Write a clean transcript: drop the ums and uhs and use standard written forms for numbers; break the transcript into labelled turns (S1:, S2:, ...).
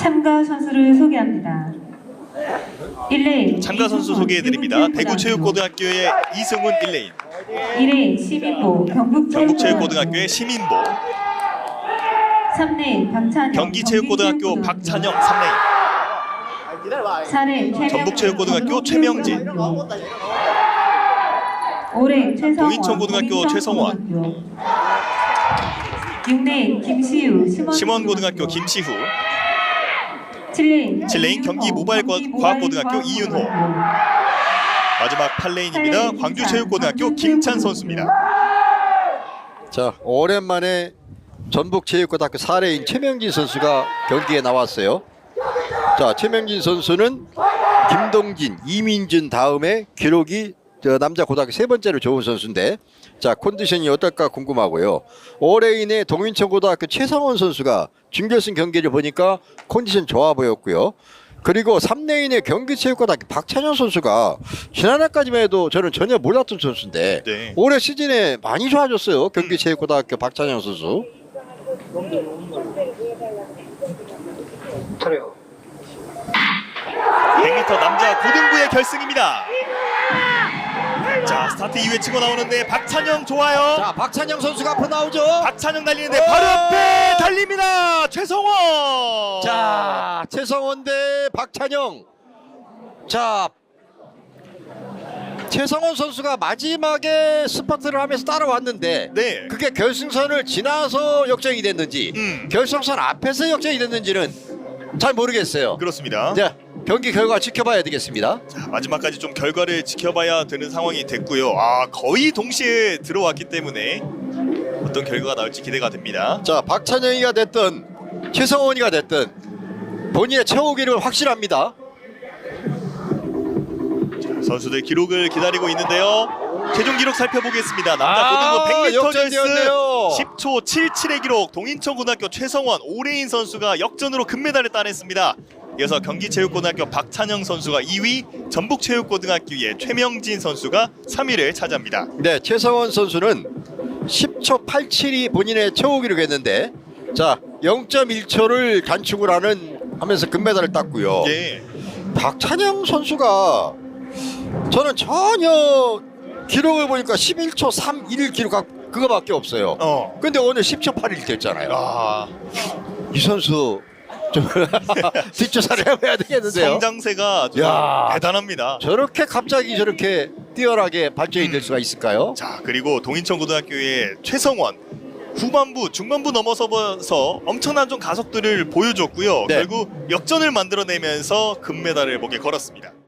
S1: 참가 선수를 소개합니다. 1레인
S2: 참가 선수 소개해드립니다. 대구체육고등학교의 이승훈 1레인,
S1: 2레인 시민보
S2: 경북체육고등학교의 시민보,
S1: 3레인 박찬영
S2: 경기체육고등학교 박찬영 3레인,
S1: 4레인
S2: 전북체육고등학교 최명진,
S1: 5레인 최성원
S2: 동인천고등학교 최성원,
S1: 6레인 김시우
S2: 심원고등학교 김시후,
S1: 7레인
S2: 경기모바일과학고등학교 이윤호, 마지막 8레인입니다. 광주체육고등학교 김찬 선수입니다.
S3: 자, 오랜만에 전북체육고등학교 4레인 최명진 선수가 경기에 나왔어요. 자, 최명진 선수는 김동진, 이민준 다음에 기록이 남자 고등학교 세 번째로 좋은 선수인데, 자, 컨디션이 어떨까 궁금하고요. 5레인의 동인천고등학교 최상원 선수가 준결승 경기를 보니까 컨디션 좋아 보였고요. 그리고 3레인의 경기체육고등학교 박찬영 선수가 지난해까지만 해도 저는 전혀 몰랐던 선수인데
S2: 네.
S3: 올해 시즌에 많이 좋아졌어요. 경기체육고등학교 박찬영 선수.
S4: 차려.
S2: 100m 남자 고등부의 결승입니다. 자, 스타트 이후에 치고 나오는데 박찬영 좋아요.
S3: 자, 박찬영 선수가 앞으로 나오죠.
S2: 박찬영 달리는데 바로 앞에 달립니다. 최성원.
S3: 자, 최성원 대 박찬영. 자, 최성원 선수가 마지막에 스퍼트를 하면서 따라왔는데
S2: 네.
S3: 그게 결승선을 지나서 역전이 됐는지 결승선 앞에서 역전이 됐는지는 잘 모르겠어요.
S2: 그렇습니다.
S3: 자, 경기 결과 지켜봐야 되겠습니다.
S2: 자, 마지막까지 좀 결과를 지켜봐야 되는 상황이 됐고요. 아, 거의 동시에 들어왔기 때문에 어떤 결과가 나올지 기대가 됩니다.
S3: 자, 박찬영이가 됐든 최성원이가 됐든 본인의 최고 기록은 확실합니다.
S2: 선수들 기록을 기다리고 있는데요. 최종 기록 살펴보겠습니다. 남자 고등부 100m
S3: 역전되었네요.
S2: 결승 10초 77의 기록, 동인천고등학교 최성원 5레인 선수가 역전으로 금메달을 따냈습니다. 이어서 경기체육고등학교 박찬영 선수가 2위, 전북체육고등학교의 최명진 선수가 3위를 차지합니다.
S3: 네, 최성원 선수는 10초 87이 본인의 최고 기록이었는데, 자, 0.1초를 단축을 하면서 금메달을 땄고요.
S2: 예.
S3: 박찬영 선수가 저는 전혀 기록을 보니까 11초 31 기록 그거밖에 없어요. 근데 오늘 10초 81 됐잖아요.
S2: 아,
S3: 이 선수 좀 뒷조사를 해봐야 되겠는데요.
S2: 성장세가 좀
S3: 야.
S2: 대단합니다.
S3: 저렇게 갑자기 저렇게 뛰어나게 발전이 될 수가 있을까요?
S2: 자, 그리고 동인천고등학교의 최성원 후반부, 중반부 넘어서서 엄청난 좀 가속들을 보여줬고요.
S3: 네.
S2: 결국 역전을 만들어내면서 금메달을 목에 걸었습니다.